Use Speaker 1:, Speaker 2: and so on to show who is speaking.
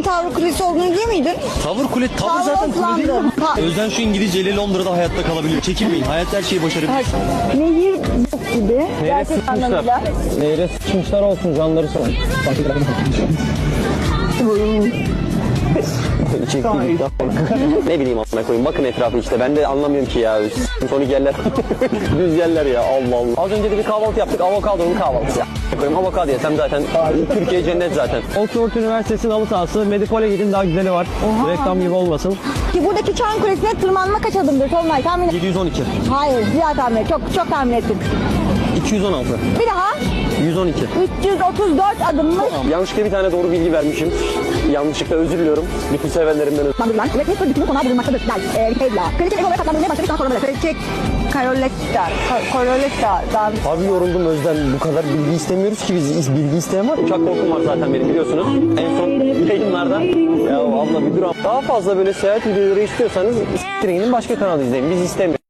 Speaker 1: Londra'nın Tavır Kulesi olduğunu biliyor muydun?
Speaker 2: Tavır kule, tavır zaten kule değil mi? Özden şu İngilizceyle Londra'da hayatta kalabiliyor. Çekinmeyin, hayat her şeyi başarabilir.
Speaker 1: Nehir yok gibi. Gerçek anlamıyla.
Speaker 3: Nehre sıçmışlar olsun canları sağ olsun. Ne bileyim amına koyayım, bakın etrafı işte, ben de anlamıyorum ki ya. Sonik yerler, düz yerler ya, Allah Allah. Az önce de bir kahvaltı yaptık, avokadonun kahvaltısı ya. Koyayım, avokado yesem zaten Türkiye cennet zaten. Oxford Üniversitesi'nin halı sahası, Medipol'e gidin, daha güzeli var. Reklam gibi olmasın.
Speaker 1: Ki buradaki Çan Kulesi'ne tırmanma kaç adımdır Tolunay tahmin et.
Speaker 3: 712.
Speaker 1: Hayır, diğer tahmin et. Çok tahmin ettin.
Speaker 3: 216.
Speaker 1: Bir daha.
Speaker 3: 112.
Speaker 1: 334 adımmış.
Speaker 3: Yanlışlıkla bir tane doğru bilgi vermişim. Yanlışlıkla özür diliyorum. Bütün sevenlerimden özür
Speaker 1: Bandırılan ve Tesla dikimi konağı bulunmaktadır. Kayıtla. Kraliçe ev olarak adlandırılmaya başladık daha sonra böyle. Kraliçe Caroletta'dan.
Speaker 3: Abi yoruldum Özden. Bu kadar bilgi istemiyoruz ki biz. Bilgi isteyen var. Uçak korkum var zaten benim, biliyorsunuz. En son yayınlarda. Ya abla bir dur. Daha fazla böyle seyahat videoları istiyorsanız s**tirin başka kanalı izleyin. Biz istemiyoruz.